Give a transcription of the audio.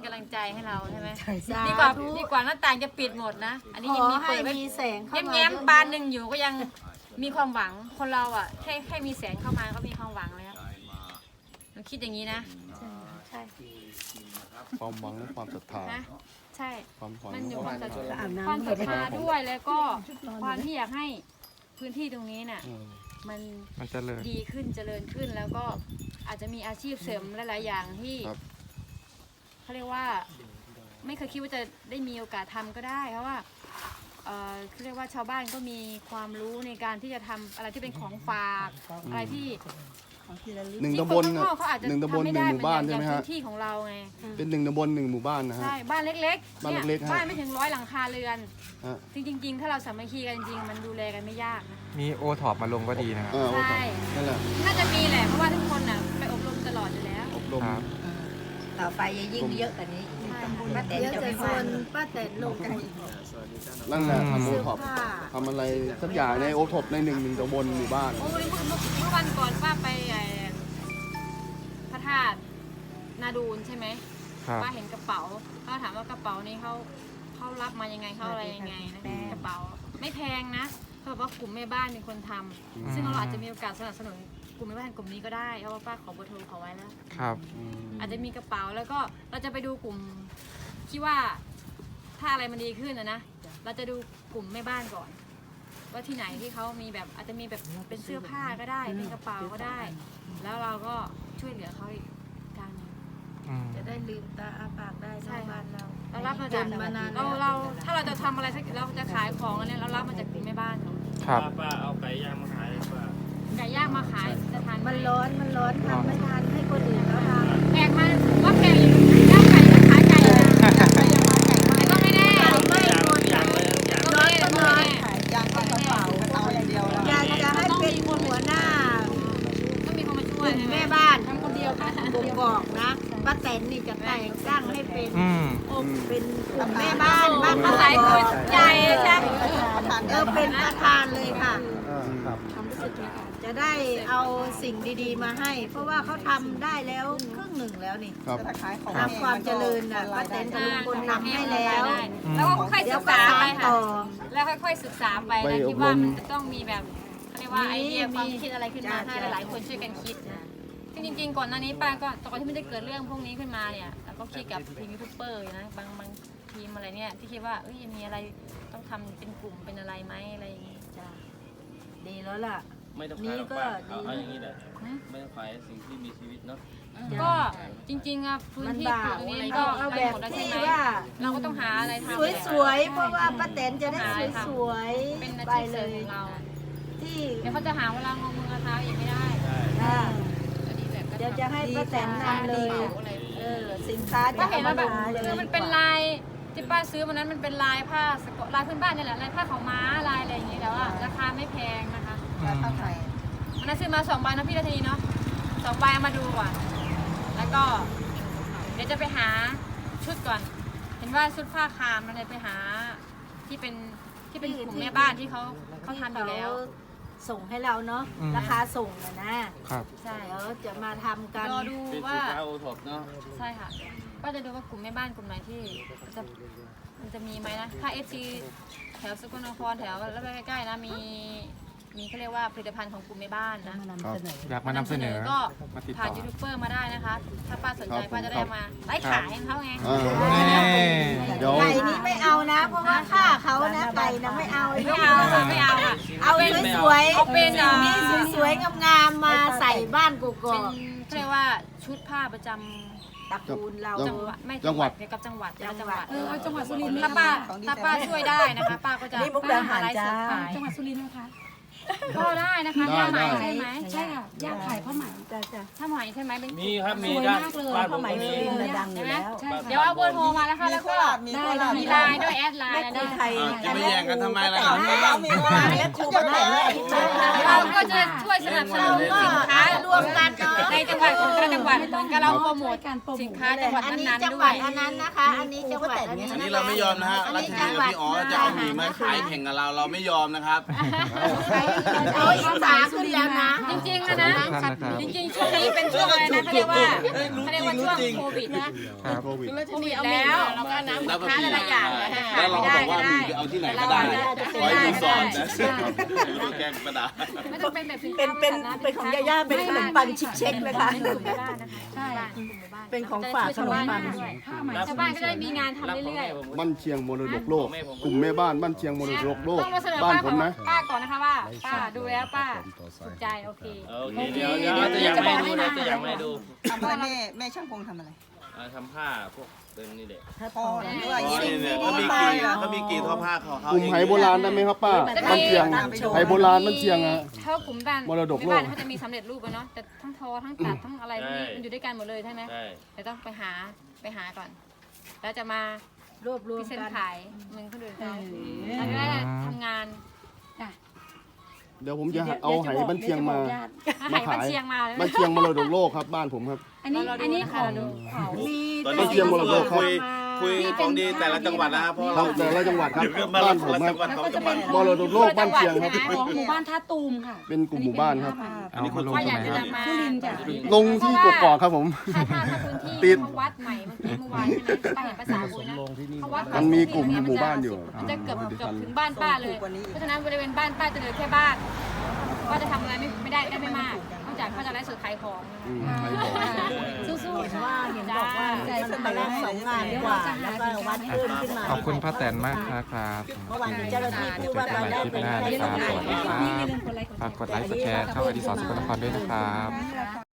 กำลังใจให้เราใช่ไหมใช่ดีกว่าหน้าต่างจะปิดหมดนะอันนี้ยังมีเปิดไว้มีแสงเข้ามาแง้มๆบานหนึ่งอยู่ก็ยังมีความหวังคนเราอ่ะแค่มีแสงเข้ามาก็มีความหวังแล้วเราคิดอย่างนี้นะใช่ความหวังและความศรัทธานะใช่ความหวังมันอยู่และความศรัทธาด้วยแล้วก็ความที่อยากให้พื้นที่ตรงนี้น่ะ มันเจริญดีขึ้นเจริญขึ้นแล้วก็อาจจะมีอาชีพเสริมหลายๆอย่างที่ครับเขาเรียกว่าไม่เคยคิดว่าจะได้มีโอกาสทำก็ได้เพราะว่าเขาเรียกว่าชาวบ้านก็มีความรู้ในการที่จะทำอะไรที่เป็นของฝากอะไรที่หนึ่งตำบลที่คนข้างนอกเขาอาจจะหนึ่งตำบลทำไม่หนึ่ได้งหมู่บ้านใช่ไหมอย่งฮะพื้นที่ของเราไงเป็นหนึ่งตำบลหนึ่งหมู่บ้านนะฮะใช่บ้านเล็กๆบ้านเนี่ยเล็กๆฮะบ้านไม่ถึง100 หลังคาเรือนฮะจริงๆถ้าเราสามัคคีกันจริงๆมันดูแลกันไม่ยากนะมีโอท็อปมาลงก็ดีนะครับใช่นั่นแหละน่าจะมีแหละเพราะว่าทุกคนน่ะไปอบรมตลอดอยู่แล้วอบรมครับต่อไปจะยิ่งเยอะกว่านี้ใช่ป้าแตนจะไม่พลาดป้าแตนลงกันนั่นแหละทำโอเสื้อท็อปผ้าทำอะไรสักอย่างในโอท็อปในหนึ่งตำบลหมู่บ้านโอ้ยเมื่อวันก่อนป้าไปพระธาตุนาดูนใช่ไหมครับป้าเห็นกระเป๋าป้าถามว่ากระเป๋านี้เขารับมายังไงเขาอะไรยังไงนะกระเป๋าไม่แพงนะเขาบอกว่ากลุ่มแม่บ้านเป็นคนทำซึ่งเราอาจจะมีโอกาสสนับสนุนกลุ่มแม่บ้านกลุ่มนี้ก็ได้เพราะว่าป้าขอเบอร์โทรเขาไว้แล้วครับอาจจะมีกระเป๋าแล้วก็เราจะไปดูกลุ่มที่ว่าถ้าอะไรมันดีขึ้นนะเราจะดูกลุ่มแม่บ้านก่อน ว่าที่ไหนที่เขามีแบบอาจจะมีแบบเป็นเสื้อผ้าก็ได้เป็นกระเป๋าก็ได้ แล้วเราก็ช่วยเหลือเขาอีกทางหนึงจะได้ลืมตาอาปากได้ใช่ชาวบ้านเราเรารับมาจากจนมานานเราถ้าเราจะทำอะไรสักเราจะขายของอันเนี้ยเรารับมาจากกลุ่มแม่บ้านเขาครับป้าเอาไก่ย่างมาขายป้าไก่ย่างมาขายจะทานไหมันร้อนทำไม่ทันให้คนอื่นเขาทำแพงมากว่าแพงอยู่ย่างไก่จะขายไก่นะแต่ก็ไม่แน่ไม่หมดย่างเลยย่างก็ไม่แน่ก็ไม่แน่อยากจะให้เป็นหัวหน้าต้องมีคนมาช่วยใช่ไหมแม่บ้านทำคนเดียวค่ะบ่งบอกนะป้าแตนนี่จะแต่งตั้งให้เป็นอืมเป็นกลุ่มแม่บ้านบ้านมาขายตัวใหญ่ใช่เป็นประธานเลยค่ะครับจะได้เอาสิ่งดีๆมาให้ เพราะว่าเขาทำได้แล้วครึ่งหนึ่งแล้วนี่ครับทำความเจริญน่ะป้าแตนกับลุงพลทำให้แล้วแล้วก็ค่อยๆเดี๋ศึยวกก็ษาสาไปนค่ะต่อแล้วค่อยๆศึกษาไปนะคิดว่ามันจะต้องมีแบบเขาเรียกว่าไอเดียความคิดอะไรขึ้นมาให้หลายๆคนช่วยกันคิดนะซึ่งจริงๆก่อนหน้านี้ป้าก็ตอนที่ไม่ได้เกิดเรื่องพวกนี้ขึ้นมาเนี่ยแล้วก็คิดกับทีมยูทูบเบอร์นะบางทีมอะไรเนี่ยที่คิดว่าเอ้ยมีอะไรต้องทำเป็นกลุ่มเป็นอะไรไหมอะไรอย่างงี้จ้ะดีแล้วล่ะไม่ต้องขายหรอกป้าเอาอย่างนี้แหละไม่ต้องขายสิ่งที่มีชีวิตเนาะก็จริงๆอ่ะพื้นที่ปลูกตรงนี้ก็เอาไปแบบหมดแล้วใช่ที่ไหมว่าเราก็ต้องหาอะไรทำสวยๆ เพราะว่าป้าแตนจะได้สวยเป็นอาๆ ไปชีพเลเสริมยของเราที่เดี๋ยวเขาจะหาเวลางงมือกระเท้าอีกไม่ได้อ่าอันนี้แบบก็เดี๋ยวจะให้ป้าแตนนำเลยอะไรสินค้าป้าจะเห็นเอาแล้วมาแบบดูเลคือย มันเป็นลายที่ป้าซื้อวันนั้นมันเป็นลายผ้าสกอตลายพื้นบ้านนี่แหละลายผ้าขาวม้าลายอะไรอย่างงี้แต่ว่าราคาไม่แพงนะคะวันนั้นซื้อมา2 ใบนะพี่รัตนีเนาะ2 ใบเอามาดูก่อนแล้วก็เดี๋ยวจะไปหาชุดก่อน เห็นว่าชุดผ้าคามมันเลยไปหาที่เป็นกลุ่มแม่บ้านที่เขาทำอยู่แล้วส่งให้เราเนาะราคาส่งนะครับใช่เดี๋ยวจะมาทำกันรอดูเป็นสิว่านค้าโอท็อปเนาะใช่ค่ะก็จะดูว่ากลุ่มแม่บ้านกลุ่มไหนที่มันจะมีไหมนะถ้า FC แถวสกลนครแถวแล้วใกล้ๆนะมีเขาเรียกว่าผลิตภัณฑ์ของกลุ่มแม่บ้านนะอยากมานำเสนอก็มาติดผ่านต่อยูทูบเบอร์มาได้นะคะ ถ้าป้าสนใจป้าจะได้มาไล่ขายให้เขาไงเดี๋ยวไก่นี้ไม่เอานะ เพราะว่าค่าเขานะไก่นะไม่เอาไม่เอาค่ะไม่เอาค่ะเอาสวยๆเอาเป็นนี่สวยๆงามๆมาใส่บ้านกกเป็อน กเขาเรียกว่าชุดผ้าประจำตระกูลเราจังหวัดไม่จังหวัดเกี่ยวกับจังหวัดจังหวัดจังหวัดสุรินทร์ถ้าป้าช่วยได้นะคะป้าก็จะนี่มุกดาหารจ้าจังหวัดสุรินทร์นะคะก็ได้นะคะย่าไหมใช่ไหมใช่ค่ะย่าขายผ้าไหมจ้าจ้าถ้าไหมใช่ไหมเป็นมีครับมีด้านบ้านผมก็มีดังอยู่แล้วเดี๋ยวเอาเบอร์โทรมาแล้วค่ะแล้วก็มีไลน์ด้วยแอดไลน์นะใครจะไม่แย่งกันทำไมล่ะแล้วครูป้าแตนเราก็จะช่วยสนับสนุนสินค้าวมกันเนาะในจังหวัดของแต่ละจังหวัดเหมือนกับเราโปรโมทสินค้าจังหวัดอันนี้นั้นจัๆงด้หววัดยอันนั้นนะคะ อันนี้จังหวัดอันนี้อันนี้เราไม่ยอมนะฮะรัชนีกับพี่อ๋อจะเอาหมี่มาขายแข่งกับเราไม่ยอมนะครับเอาอีสานขึ้นแล้วนะจริงๆนะนะท่านนะครับจริงๆช่วงนี้เป็นช่วงอะไรนะเขาเรียกว่าช่วงโควิดนะครับโควิดโควิดแล้วเราก็น้ำแล้วก็ค้ามีหลายๆอย่างแล้วเราบอกว่าหมี่ไปเอาที่ไหนก็ได้ขอให้คุณสอนนะแกงกระดาษไม่ต้องเป็นแบบเป็นของย่าๆเป็นขนมปังชิคเช็คเลยค่ะใช่เป็นของฝากขนมปังชาวบ้านก็ได้มีงานทำเรื่อยๆบ้านเชียงมรดกโลก กลุ่มแม่บ้านบ้านเชียงมรดกโลกต้องมาเสนอบ้านป้าผมนะป้าก่อนนะคะว่าป้าดูแล้วป้าถูกใจโอเคโอเคเดี๋ยวจะยังไม่ดูนะจะยังไม่ดูทำอะไรแม่ช่างพงทำอะไรทำผ้าพวกเป็นนี่แหละพอหรือว่าอ๋อสิ่งเนี่ยที่เขามีกี่ท่อผ้าของเขากลุ่มไหโบราณได้ไหมครับป้าบ้านเชียงไหโบราณบ้านเชียงอะเท่ากลุ่มบ้านมรดกโลกบ้านเขาจะมีสำเร็จรูปอะเนาะแต่ทั้งทอทั้งตัดทั้งอะไรพวกนี้มันอยู่ด้วยกันหมดเลยใช่ไหมใช่แต่ต้องไปหาก่อน แล้วจะมารวบรวพิมเศษกันขายมึงคนอื่นเขาเราจะได้ทำงานเดี๋ยวผมจะเอาไหบ้านเชียงมาหายบ้านเชียงมาเลยบ้านเชียงมรดกโลกครับบ้านผมครับอันนี้ของมีตอนบ้านี้นเชียงมรดกครับคุยของดีแต่ละจังหวัดนะครับเพราะครัเราบแต่ละจังหวัดครับเดี๋ยวมาบ้านผมครับของจังหวัดมรดกโลกบ้านเชียงครับของหมู่บ้านท่าตูมค่ะเป็นกลุ่มหมู่บ้านครับอันนี้คุณลงว่าตอรงยากไหนจะครับนำมาลงที่กกอกครับผมถ้าพื้นติที่ดเขาวัดใหม่เมื่อวานใช่ไหมป้าเห็นภาษาคุยนะเขาวัดมันมีกลุ่มหมู่บ้านอยู่มันจะเกือบถึงบ้านป้าเลย เพราะฉะนั้นบริเวณบ้านป้าจะเหลือแค่บ้านป้าจะทำอะไรไม่ได้ไม่มากนอกจากเขาจะไลฟ์สดขายของอืมไหบอกสู้ๆว่าเห็นบอกว่ามันมาแล้ว2 งานกว่าแล้วก็วัดเพิ่มขึ้นมาขอบคุณป้าแตนมากนะครับเมื่อวานมีเจ้าหน้าที่พูดว่าเจอเรากันใหม่ได้คลิปเป็นหน้านะครับสวัสดีครับฝากกดไลค์กดแชร์ช่องอดิศรสกลนครด้วยนะครับ